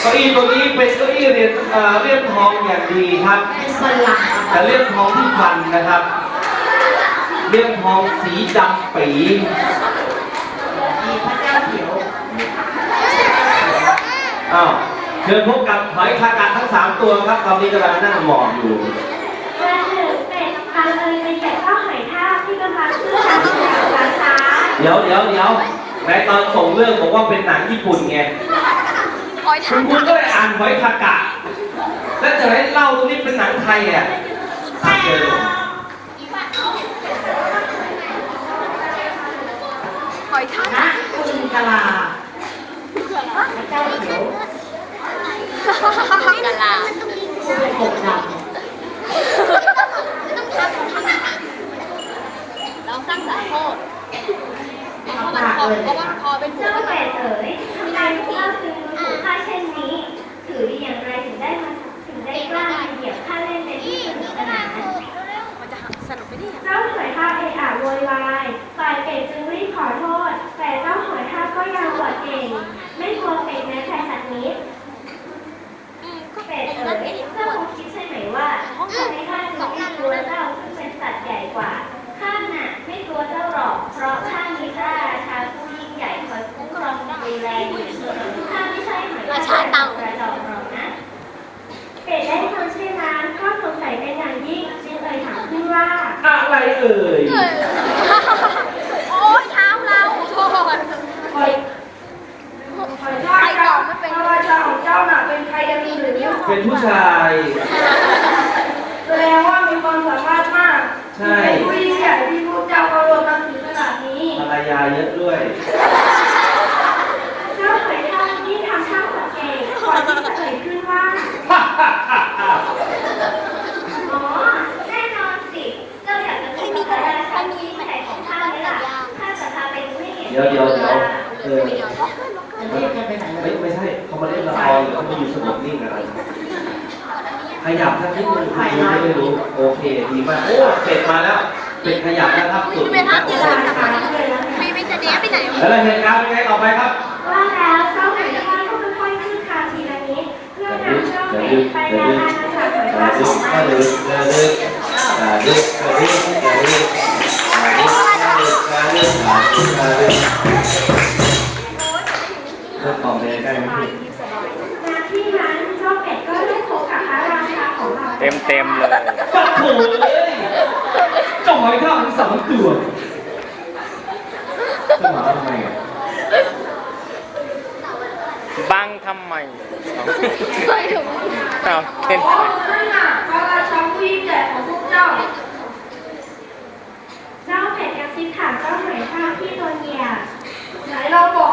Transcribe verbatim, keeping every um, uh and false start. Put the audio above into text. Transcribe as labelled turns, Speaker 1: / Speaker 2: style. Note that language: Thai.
Speaker 1: เก้าอี้ตัวนี้เป็นเก้าอี้เรียนเลี่ยมทองอย่างดีครับแต่เลี่ยมทองที่พันนะครับเลี่ยมทองสีดำปี
Speaker 2: พระเจ้าเขียว
Speaker 1: อ้าวเชิญพบกับหอยคากาทั้งสามตัวครับตอนนี้กำลังนั่งหมอบอยู่
Speaker 3: มาถึงเป็ดปลาเอยเป็นแกะข้าวหอยทากที่กำลังขึ้นทางช้าช้า
Speaker 1: เดี๋ยวเดี๋ยวเดี๋ยวในตอนส่งเรื่องบอกว่าเป็นหนังญี่ปุ่นไงคุณคุณก็เลยอ่านหอยคากะแล้วจะให้เล่าตรงนี้เป็นหนังไทยอ่ะเจอ
Speaker 2: หอยทากนะคุณกะลาพระเจ้าเขียวกะลาหกดำเราสร้างสารโทษเพราะมันคอเพราะว่าคอเป็นหัว
Speaker 3: เจ้าเป็ดเอ๋ยทำไมพวกเราจึงถูกฆ่าเช่นนี้ถือดีอย่างไรถึงได้มาถึงได้กล้ามาเหยียบข้าเล่นในที่สนุกสนาน
Speaker 2: มันจะสนุกไปดิ
Speaker 3: เจ้าหอยทากเอะอะโวยวายฝ่ายเป็ดจึงรีบขอโทษแต่เจ้าหอยทากก็ยังอวดเก่งไม่กลัวเป็ดแม้แต่สักนิดเป็ดเอ๋ยเจ้าคงคิดใช่ไหมว่าทำไมข้าจึงไม่กลัวเจ้าซึ่งเป็นสัตว์ใหญ่กว่าข้าน่ะไม่กลัวเจ้าหรอกเพราะข้ามีพระราชาผู้ยิ่งใหญ่คอยคุ้มครองดูแลอยู่ข้าไม่ใช่หอยทากกระจอกหรอกนะเป็ดได้ฟังเช่นนั้นก็สงสัยเป็นอย่างยิ่งจึงเอ่ยถามขึ้นว่า
Speaker 1: อะไรเอ่ย
Speaker 2: โอ้ยเท้าเราโทษ
Speaker 4: หอยหอยทากพระราชาของเจ้าน่ะเป็นใครกันหรือ
Speaker 1: เป็นผู้ชาย
Speaker 4: แสดงว่ามีความสามารถมาก
Speaker 1: ใช่
Speaker 4: เป็นผู้ยิ่งใหญ่ที่พวกเจ้าเคารพนับถือขนาดนี้
Speaker 1: ภรรยาเยอะด้วย
Speaker 3: เจ้าหอยทากที่ทำท่าสังเกตก่อนที่จะเอ่ยขึ้นว่าอ๋อแน่นอนสิเจ้าอยากจะเป็นพระราชาที่ยิ่งใหญ่ของข้าไหมล่ะข้าจะพาไปดูให้เห็น
Speaker 1: เดี๋ยวเดี๋ยวเดี๋ยวเออ
Speaker 2: ไม่
Speaker 1: ไม่ไม่ใช่เขามาเล่นละครหรือเขามาอยู่สงบนิ่งอะไรขยับสักนิดนึงคุณไม่รู้โอเคดีมากโอ้เสร็จมาแล้วเป็นขยับแล้วครับสุด
Speaker 2: ไม่ทันเลยมีไม่จะเนี้ยไปไหน
Speaker 1: แล้วเหตุการณ์เป็นไงต่อไปครับ
Speaker 3: ว่าแล้วเจ้าหอยทากก็ค่อยๆขึ้นคานทีละนิดเพื่อนำเจ้าเป็ดไปยังอาณาจักรหอยทากของมัน
Speaker 1: ดึกดึกดึกดึกดึกดึกดึกดึกดึกดึกดึกดึกเริ่มต่อไปใกล้ไหมพี่
Speaker 3: ณที่นั้นเจ้าเป็ดก็ได้พบกับพระราชาของเรา
Speaker 5: เต็มเต็มเลย
Speaker 1: ปัดโถเลยเจ้าหอยทากทั้งสามตัวจะมาทำไมอ่ะ
Speaker 5: บังทำไมเอาเต้น
Speaker 4: นั่นน่ะพระราชาผู้ยิ่งใหญ่ของพวกเจ้า
Speaker 3: เจ้าเป็ดกระซิบถามเจ้าหอยทากที่โดนเหยียบ
Speaker 4: ไหนเราบอก